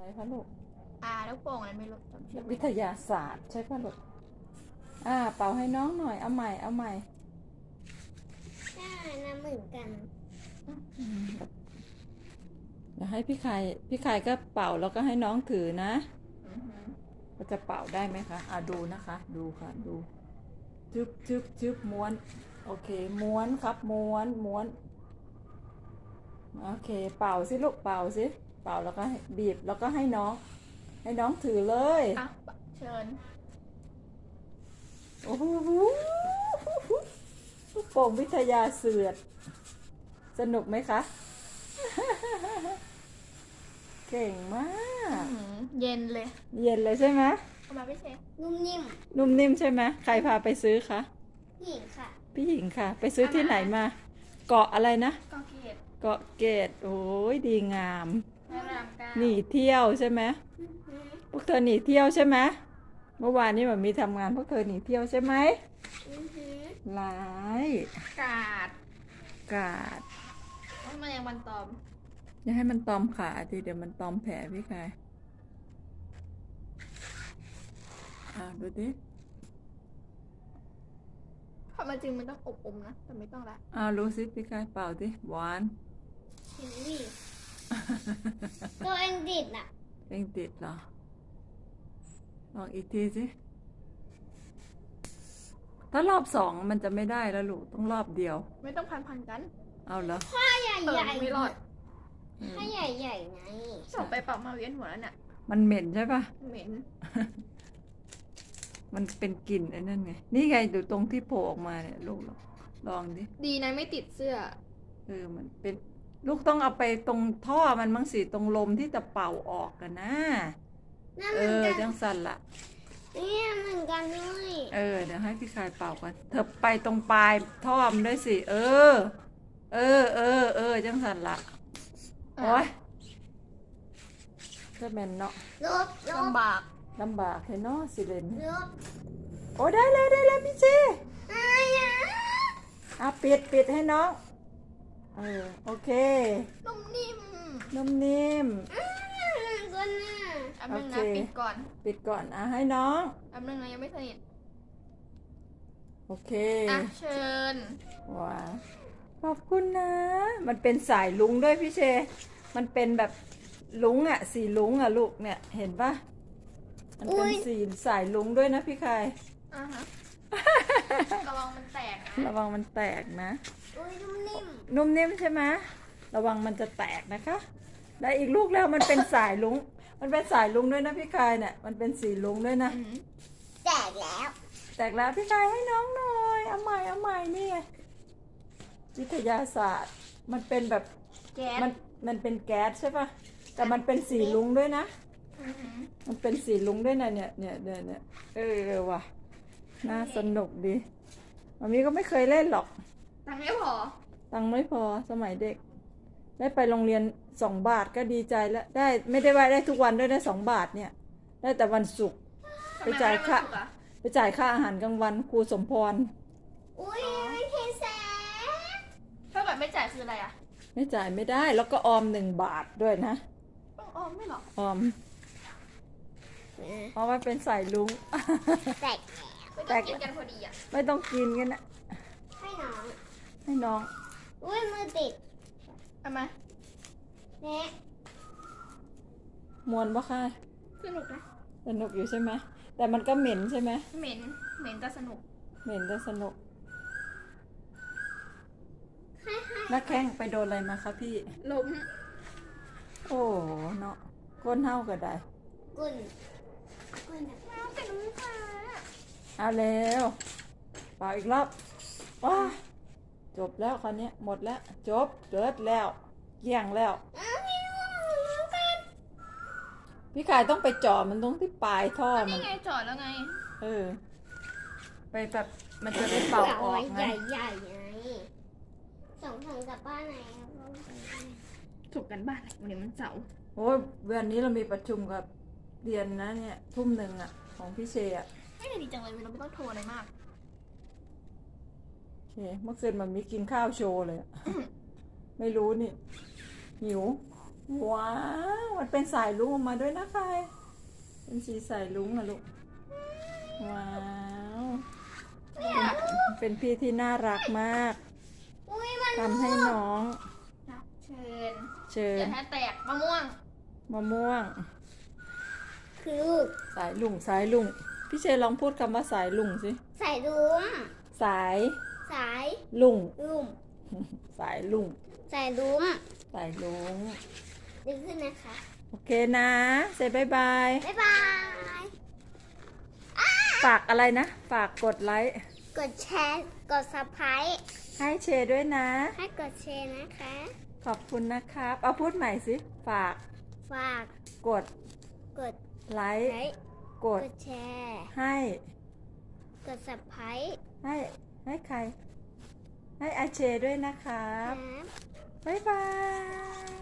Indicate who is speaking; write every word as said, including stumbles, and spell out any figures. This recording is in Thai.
Speaker 1: อะไรคะลูก
Speaker 2: อ่าลูกโป่งอะไรไม่รู้จำชื่อไม่
Speaker 1: วิท
Speaker 2: ได้
Speaker 1: ยาศาสตร์ใช่ป่ะลูกอ่าเป่าให้น้องหน่อยเอาใหม่เอาใหม่
Speaker 3: ใช่นะเหมือนกัน
Speaker 1: อืมเดี๋ยวให้พี่ไข่พี่ไข่ก็เป่าแล้วก็ให้น้องถือนะ
Speaker 2: อือหือ
Speaker 1: ก็จะเป่าได้ไหมคะอ่าดูนะคะดูค่ะดูจึ๊บจึ๊บจึ๊บม้วนโอเคม้วนครับม้วนม้วนโอเคเป่าสิลูกเป่าสิเป่าแล้วก็ให้บีบแล้วก็ให้น้องให้น้องถือเลย
Speaker 2: อ่ะเชิญ
Speaker 1: โอ้โหลูกโป่งวิทยาเสือดสนุกไหมคะ เก่งมาก
Speaker 2: อื้อหือเย็นเลย
Speaker 1: เย็นเลยใช่ไหม
Speaker 2: เอามาพี่เชฟ
Speaker 3: นุ่มนิ่ม
Speaker 1: นุ่มนิ่มใช่ไหมใครพาไปซื้อคะ
Speaker 3: หญิงค่ะ
Speaker 1: พี่หญิงค่ะ ไปซื้อที่ไหนมา เกาะอะไรนะ
Speaker 2: ก็เกต
Speaker 1: เกาะเกตโอ้ยดีงาม
Speaker 2: พระรามเก้า
Speaker 1: หนีเที่ยวใช่ไหมพวกเธอหนีเที่ยวใช่ไหมเมื่อวานนี้มันมีทำงานพวกเธอหนีเที่ยวใช่ไหมร้าย
Speaker 2: กาด
Speaker 1: กาด
Speaker 2: ว่ามันยังวันตอม
Speaker 1: อย่าให้มันตอมขาทีเดี๋ยวมันตอมแผลพี่กายอ่าดูดิ
Speaker 2: ความจริงมันต้องอบอมนะแต่ไม่ต้องละ
Speaker 1: อ่ารู้สิพี่กายเป่าดิหวาน
Speaker 3: เห็นดิตัวเองดิดน่ะ
Speaker 1: เองติดเหรอลองอีกทีสิถ้ารอบสองมันจะไม่ได้แล้วลูกต้องรอบเดียว
Speaker 2: ไม่ต้องพันพันกัน
Speaker 1: เอาเหรอ
Speaker 3: ผ้าใหญ่
Speaker 2: เปิด
Speaker 3: ใหญ่
Speaker 2: ไม่รอด
Speaker 3: ผ้าใหญ่ใหญ่ไง
Speaker 2: สอบไปปรับมาเวียนหัวแล้วเนี่ย
Speaker 1: มันเหม็นใช่ปะ
Speaker 2: เหม็น
Speaker 1: มันเป็นกลิ่นไอ้นั่นไงนี่ไงดูตรงที่โผล่ออกมาเนี่ยลูกลองลองดิ
Speaker 2: ดีนะไม่ติดเสื้อ
Speaker 1: เออมันเป็นลูกต้องเอาไปตรงท่อมันมั้งสิตรงลมที่จะเป่าออกกันนะ
Speaker 3: นั่น
Speaker 1: เอ
Speaker 3: เหมือน
Speaker 1: อ
Speaker 3: กัน
Speaker 1: จังสันละ
Speaker 3: เนี่ยเหมือนกันด้วย
Speaker 1: เออเดี๋ยวให้พี่ชายเป่ากันเธอไปตรงปลายท่อมนด้วยสิเออ เออเออเออจังสันละโอ้ยจะเป็นเนาะ
Speaker 3: ลบลบ
Speaker 2: ลำบาก
Speaker 1: ลำบากเลยเนาะสิเลน
Speaker 3: ลบ
Speaker 1: โอ้ได้เลยได้เลยพี่เจ
Speaker 3: อะไรอ่ะ
Speaker 1: อ่ะปิดปิดให้น้องเออโอเค
Speaker 2: นุ่มนิ่ม
Speaker 1: นุ่มนิ่ม
Speaker 3: ก็น่า
Speaker 2: อันนึงนะปิดก่อน
Speaker 1: ปิดก่อนอ่ะให้น้อง
Speaker 2: อันนึงนะยังไม่สนิท
Speaker 1: โอเค
Speaker 2: อ่ะเชิญ
Speaker 1: ว้าขอบคุณนะมันเป็นสายลุงด้วยพี่เชมันเป็นแบบลุงอ่ะสีลุงอ่ะลูกเนี่ยเห็นปะมันเป็นสีสายลุงด้วยนะพี่คาย
Speaker 2: อ่าฮะระวังมันแตกนะ
Speaker 1: ระวังมันแตกนะ
Speaker 3: อุ้ยนุ่มนิ่ม
Speaker 1: นุ่มนิ่มใช่ไหมระวังมันจะแตกนะคะได้อีกลูกแล้วมันเป็นสายลุงมันเป็นสายลุงด้วยนะพี่คายเนี่ยมันเป็นสีลุงด้วยนะ
Speaker 3: แตกแล้ว
Speaker 1: แตกแล้วพี่คายให้น้องหน่อยเอาใหม่เอาใหม่นี่ไงวิทยาศาสตร์มันเป็นแบบ
Speaker 2: แก๊ส
Speaker 1: มันมันเป็นแก๊สใช่ปะแต่มันเป็นสีลุงด้วยนะมันเป็นสีลุงด้วยนะเนี่ยเนี่ยเนี่ยเนี่ยเออว่ะน่าสนุกดีมามีก็ไม่เคยเล่นหรอก
Speaker 2: ตังค์ไม่พอ
Speaker 1: ตังค์ไม่พอสมัยเด็กได้ไปโรงเรียนสองบาทก็ดีใจแล้วได้ไม่ได้ว่าได้ทุกวันด้วยได้สองบาทเนี่ยได้แต่วันศุกร์ไปจ่ายค่าไปจ่ายค่าอาหารกลางวันครูสมพร
Speaker 3: อุ้ยไม่เทแส
Speaker 2: ถ้าแบบไม่จ่ายคืออะไรอ่ะ
Speaker 1: ไม่จ่ายไม่ได้แล้วก็ออมหนึ่งบาทด้วยนะ
Speaker 2: ต้องออมไม่หรอ
Speaker 1: ออมเพราะว่าเป็นสายลุง
Speaker 3: แตก
Speaker 2: ไม่ต้องกินกันพอดีอ่ะ
Speaker 1: ไม่ต้องกินกันนะ
Speaker 3: ให้น้อง
Speaker 1: ให้น้อง
Speaker 3: อุ้ยมือติด
Speaker 2: เอามา
Speaker 3: เนะ
Speaker 1: มวนปะค่ะ
Speaker 2: สนุกนะ
Speaker 1: สนุกอยู่ใช่ไหมแต่มันก็เหม็นใช่ไหม
Speaker 2: เหม็นเหม็นแต่สนุก
Speaker 1: เหม็นแต่สนุกนักแข้งไปโดนอะไรมาคะพี่
Speaker 2: ล้ม
Speaker 1: โอ้เนาะก้นเท่าก็ได้
Speaker 3: ก้นก้นแบบ
Speaker 2: แต่น้ำตา
Speaker 1: เอาเร็วเป่าอีกรอบว้าจบแล้วคราวนี้หมดแล้วจบเกิดแล้วเกี่ยงแล้วพี่กายต้องไปจ่อมันตรงที่ปลายท่อมัน
Speaker 2: นี่ไงจ่อแล้วไง
Speaker 1: เออไปแบบมันจะได้เป่าออกไง
Speaker 3: ใหญ่ๆไงส่งถึงกับบ้านไหน
Speaker 2: ถูกกันบ้านวันนี้มันเสาร์
Speaker 1: โอ้ยวันนี้เรามีประชุมกับเรียนนะเนี่ยทุ่มหนึ่งอ่ะของพี่เชอ่ะ
Speaker 2: ไม่ได้ดีจังเลยเราไม่ต้องโทรอะไรมาก
Speaker 1: โอเคเมื่อคืนมันมีกินข้าวโชว์เลยไม่รู้นี่หิวว้าว มันเป็นสายลุงออกมาด้วยนะคะเป็นสีสายลุงอะลูก ว้าว เป็นเป็นพี่ที่น่ารักมาก
Speaker 3: อุ้ยมัน
Speaker 1: ทำให้น้อง
Speaker 2: รับเชิญ
Speaker 1: เชิญ
Speaker 2: อย่าให้แตกมะม่วง
Speaker 1: มะม่วง
Speaker 3: คือลูก
Speaker 1: สายลุงสายลุงพี่เชยลองพูดคำว่าสายลุงสิ
Speaker 3: ใส่ดุ้ม
Speaker 1: สาย
Speaker 3: สาย
Speaker 1: ลุง
Speaker 3: ดุ้ม
Speaker 1: สายลุง
Speaker 3: ใส่ดุ้ม
Speaker 1: สายลุง
Speaker 3: ดึงขึ้นนะคะ
Speaker 1: โอเคนะเซบายบาย
Speaker 3: บ๊ายบาย
Speaker 1: ฝากอะไรนะ ฝากกดไลค์
Speaker 3: กดแชร์ กดซับสไครต์
Speaker 1: ให้เชยด้วยนะ
Speaker 3: ให้กดแชร์นะคะ
Speaker 1: ขอบคุณนะครับ เอาพูดใหม่สิ ฝาก
Speaker 3: ฝาก
Speaker 1: กด
Speaker 3: กด
Speaker 1: ไลค์
Speaker 3: ไลค์
Speaker 1: ก
Speaker 3: ก
Speaker 1: ด
Speaker 3: ดแชร์
Speaker 1: ให้
Speaker 3: กดซับสไครต์
Speaker 1: ให้ให้ใคร ให้อาเชด้วยนะครับ
Speaker 3: นะ
Speaker 1: บ๊ายบาย